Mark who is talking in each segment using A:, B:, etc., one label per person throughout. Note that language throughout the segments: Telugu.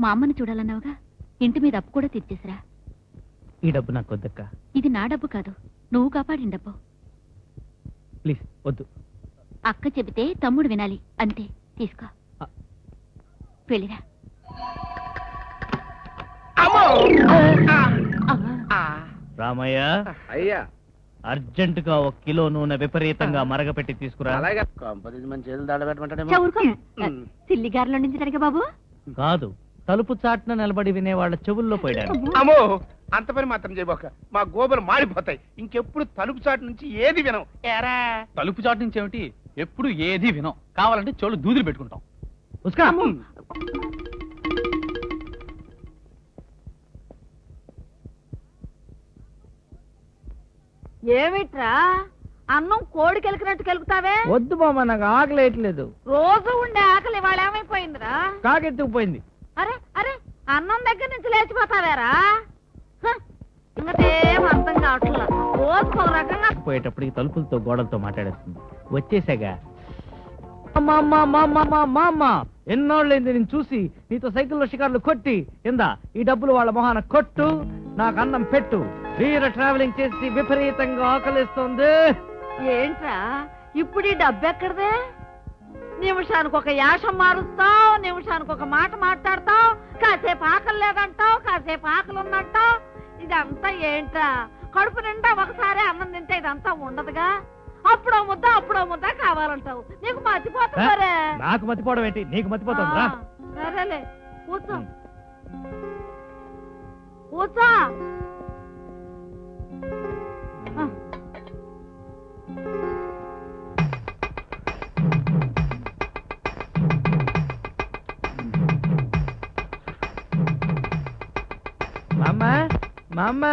A: మా అమ్మని చూడాలన్నావుగా, ఇంటి మీద అప్పు కూడా తీర్చేసిరా.
B: ఈ డబ్బు నాకు వద్దక్క.
A: ఇది నా డబ్బు కాదు, నువ్వు కాపాడిన డబ్బు.
B: ప్లీజ్ వద్దు.
A: అక్క చెబితే తమ్ముడు వినాలి, అంతే. తీసుకో, వెళ్ళిరా.
B: రామయ్య,
C: అయ్యా
B: అర్జెంటుగా 1 కిలో నూనె విపరీతంగా మరగపెట్టి తీసుకురా.
C: అలాగే కంపెనీ మన చేతులు దాడబెట్టమంటాడేమో.
A: సిల్లిగారిలో నుంచి జరిగే బాబు
B: కాదు, తలుపు చాటున నిలబడి వినే వాళ్ళ చెవుల్లో పోయాడు.
C: అమ్మో, అంత పని మాత్రం చేయబోక, మా గోబలు మాడిపోతాయి. ఇంకెప్పుడు తలుపు చాటు నుంచి ఏది వినం. ఏరా
D: తలుపు చాటు నుంచి ఏమిటి, ఎప్పుడు ఏది వినం. కావాలంటే చెవులు దూదులు పెట్టుకుంటాం.
E: ఏమిట్రా అన్నం కోడి కెలికినట్టు కెలుకుతావే?
B: వద్దు బామ్మ, నాకు ఆకలేయట్లేదు.
E: రోజు ఉండే ఆకలి ఇవాళ ఏమైపోయిందిరా?
B: కాకెత్తుకుపోయింది.
E: అరే అరే, అన్నం దగ్గర నుంచి లేచిపోతావేరా? ఇంకటేం అర్థం కావట్లా. రోజుకు ఒక రకంగా
B: పోయేటప్పటికి తలుపులతో గోడలతో మాట్లాడేస్తుంది. వచ్చేసాగా. ఎన్నోళ్ళైంది నేను చూసి. నీతో సైకిల్లో షికార్లు కొట్టి ఇందా ఈ డబ్బులు వాళ్ళ మొహాన కొట్టు, నాకు అన్నం పెట్టు. వీర ట్రావెలింగ్ చేసి విపరీతంగా ఆకలిస్తుంది.
E: ఏంట్రా ఇప్పుడు ఈ డబ్బు ఎక్కడదే? నిమిషానికి ఒక యాషం మారుస్తావు, నిమిషానికి ఒక మాట మాట్లాడతావు, కాసేపు ఆకలి లేదంటావు, కాసేపు ఆకలి ఉన్నట్టావు. ఇదంతా ఏంట్రా? కడుపు నిండా ఒకసారి అన్నం తింటే ఇదంతా ఉండదుగా. అప్పుడో ముద్ద కావాలంటావు. నీకు మర్చిపోతుందరే.
B: నాకు మర్చిపోవడం ఏంటి, నీకు మర్చిపోతుందా?
E: సరేలే, కూర్చో కూర్చో.
B: మామ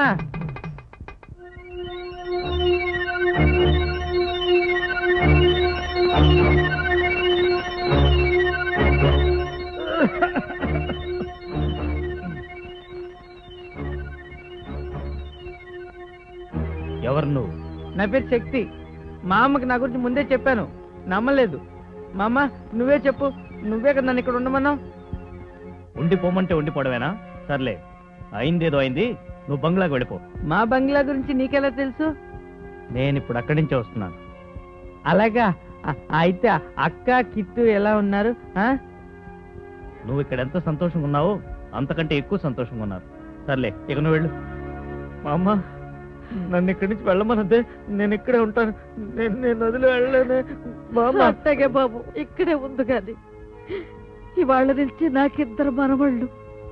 B: ఎవరు నువ్వు?
F: నా పేరు శక్తి. మా అమ్మకి నా గురించి ముందే చెప్పాను, నమ్మలేదు. మా అమ్మ నువ్వే చెప్పు, నువ్వే కదా నన్ను ఇక్కడ ఉండమన్నావు.
B: ఉండిపోమంటే ఉండిపోవడమేనా? సర్లే, అయిందేదో అయింది, నువ్వు బంగ్లాకి వెళ్ళిపో.
F: మా బంగ్లా గురించి నీకెలా తెలుసు?
B: నేను ఇప్పుడు అక్కడి నుంచే వస్తున్నాను.
F: అలాగా, అయితే అక్క కిట్టు ఎలా ఉన్నారు?
B: నువ్వు ఇక్కడ ఎంత సంతోషంగా ఉన్నావో అంతకంటే ఎక్కువ సంతోషంగా ఉన్నారు. సర్లే, ఇక నువ్వు వెళ్ళు.
F: మా అమ్మ నన్ను ఇక్కడి నుంచి వెళ్ళమన్నదే, నేను ఇక్కడే ఉంటాను. నేను వదిలి వెళ్ళలేనే. అట్టగే బాబు, ఇక్కడే ఉంది కానీ ఇవాళ నుంచి నాకిద్దరు మనవళ్ళు.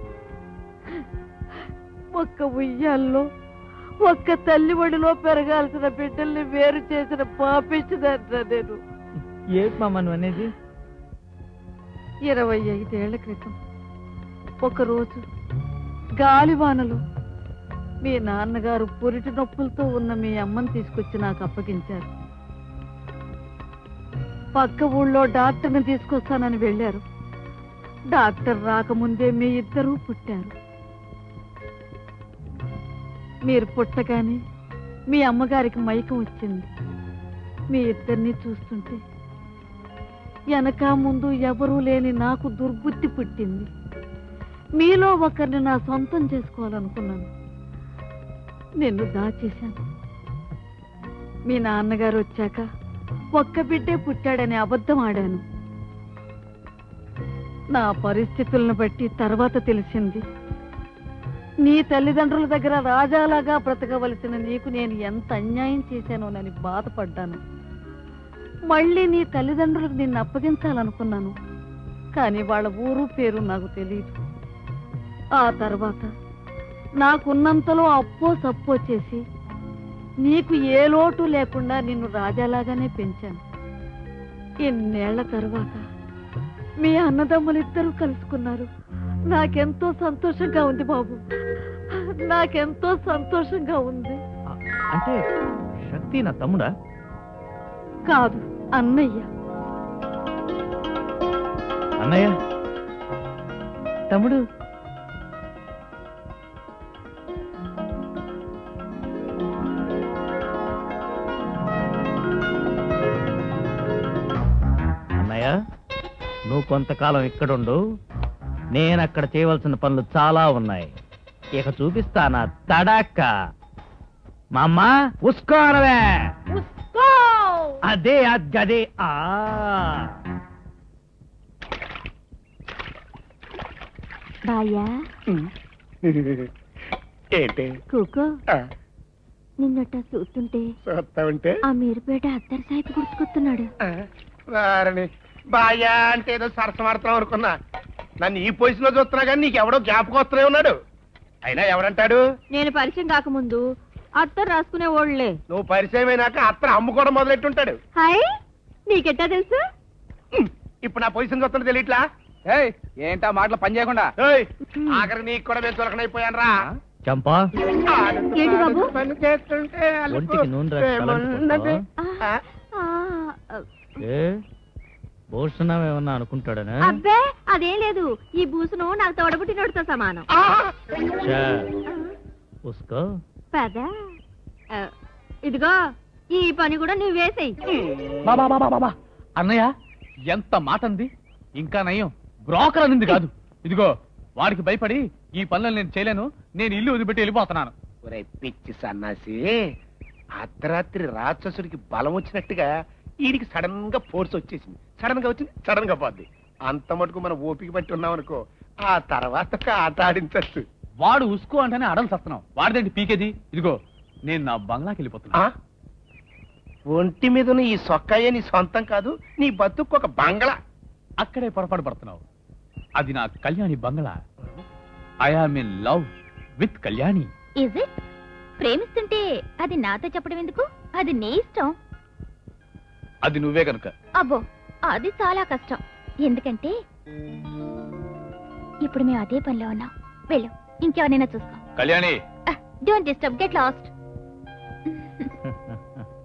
F: ఒక్క ఉయ్యాల్లో ఒక్క తల్లి ఒడిలో పెరగాల్సిన బిడ్డల్ని వేరు చేసిన పాపించదంటా నేను. ఏంటి మామ నువ్వు అనేది? 25 ఏళ్ల క్రితం ఒకరోజు గాలివానలు మీ నాన్నగారు పురిటి నొప్పులతో ఉన్న మీ అమ్మని తీసుకొచ్చి నాకు అప్పగించారు. పక్క ఊళ్ళో డాక్టర్ని తీసుకొస్తానని వెళ్ళారు. డాక్టర్ రాకముందే మీ ఇద్దరూ పుట్టారు. మీరు పుట్టగానే మీ అమ్మగారికి మైకం వచ్చింది. మీ ఇద్దరిని చూస్తుంటే వెనక ముందు ఎవరూ లేని నాకు దుర్బుద్ధి పుట్టింది. మీలో ఒకరిని నా సొంతం చేసుకోవాలనుకున్నాను. నిన్ను దాచేశాను. మీ నాన్నగారు వచ్చాక ఒక్క బిడ్డే పుట్టాడని అబద్ధం ఆడాను. నా పరిస్థితులను బట్టి తర్వాత తెలిసింది, నీ తల్లిదండ్రుల దగ్గర రాజాలాగా బ్రతకవలసిన నీకు నేను ఎంత అన్యాయం చేశానోనని బాధపడ్డాను. మళ్ళీ నీ తల్లిదండ్రులకు నిన్ను అప్పగించాలనుకున్నాను, కానీ వాళ్ళ ఊరు పేరు నాకు తెలియదు. ఆ తర్వాత నాకున్నంతలో అప్పో సప్పో చేసి నీకు ఏ లోటు లేకుండా నిన్ను రాజాలాగానే పెంచాను. ఇన్నేళ్ల తర్వాత మీ అన్నదమ్ములిద్దరూ కలుసుకున్నారు. నాకెంతో సంతోషంగా ఉంది బాబు, నాకెంతో సంతోషంగా ఉంది.
B: అంటే శక్తి నా తమ్ముడా?
E: కాదు, అన్నయ్య.
B: అన్నయ్య?
F: తమ్ముడు,
B: అన్నయ్య, నువ్వు కొంతకాలం ఇక్కడుండు, నేను అక్కడ చేయవలసిన పనులు చాలా ఉన్నాయి. ఇక చూపిస్తానా తడాక. మామ్మ ఉస్కోనవే, అదే అదే.
A: బాయ్యా
C: ఏంటి
A: కూకో నిన్నట చూస్తుంటే
C: చూస్తా ఉంటే
A: ఆ మీరుపేట అత్తర్ సాహిబ్ గుర్తుకొస్తున్నాడు.
C: వారిని బాయా అంటే ఏదో సరసమాడతాం అనుకున్నా. నన్ను ఈ పొజిషన్ లో చూస్తున్నా కానీ నీకు ఎవడో జ్ఞాపకం వస్తూనే ఉన్నాడు. అయినా ఎవడంటాడు?
E: నేను పరిచయం కాకముందు అత్తరు రాసుకునే ఓళ్లే.
C: నువ్వు పరిచయం అయినాక అత్తను అమ్ముకోవడం మొదలెట్టుంటాడు.
E: హాయ్, నీకెట్టా తెలుసు?
C: ఇప్పుడు నా పొజిషన్ చూస్తున్నా తెలియట్లా?
D: ఏంటా మాటలు పని చేయకుండా?
C: ఏయ్, ఆఖరి నీకు కూడా మేము చులకనైపోయాను రా.
B: చంపా
A: ఏంటి బాబు?
C: పని చేస్తుంటే అలుపు
B: ఒంటికి నూనె రాసి
C: ఏమున్నది?
B: తలంటుకుంటావా?
C: ఆ,
B: ఏ భూషణమేమన్నా అనుకుంటాడనా?
A: అబ్బే అదేం లేదు. ఈ బూసును నాకు తోడబుట్టినోడితో సమానం.
C: ఆ.
B: చా, ఉస్కో.
A: పద ఇదిగో ఈ పని కూడా నువ్వు వేసేయి.
D: బాబా అన్నయ్య ఎంత మాట అంది. ఇంకా నయం బ్రోకర్ అనింది కాదు. ఇదిగో వాడికి భయపడి ఈ పనులు నేను చేయలేను, నేను ఇల్లు వదిలిపెట్టి వెళ్ళిపోతున్నాను.
C: ఒరేయ్ పిచ్చి సన్నాసి, అర్ధరాత్రి రాక్షసుడికి బలం వచ్చినట్టుగా వీడికి సడన్ గా ఫోర్స్ వచ్చేసింది. సడన్ గా వచ్చింది, సడన్ గా పోద్ది. అంత మటుకు మనం ఓపిక పట్టి ఉన్నాం అనుకో, ఆ తర్వాత ఆట ఆడించచ్చు.
D: వాడు ఉసుకో అంటేనే అడలు చస్తున్నావు. వాడిదేంటి పీకేది? ఇదిగో నేను నా బంగ్లాకి వెళ్ళిపోతున్నా.
C: ఒంటి మీద ఈ సొక్కయ్య నీ సొంతం కాదు, నీ బతుకు ఒక బంగ్లా.
D: అక్కడే పొరపాటు పడుతున్నావు. అది నా కళ్యాణి బంగ్లా. I am in love with Kalyani.
A: Is it? ప్రేమిస్తుంటే అది నాతో చెప్పడం ఎందుకు? అది నీ ఇష్టం.
D: అది నువ్వే కనుక.
A: అబ్బో అది చాలా కష్టం. ఎందుకంటే ఇప్పుడు మేము అదే పనిలో ఉన్నాం. వెళ్ళు, ఇంకెవరైనా చూసుకో.
D: Kalyani
A: don't disturb, get last.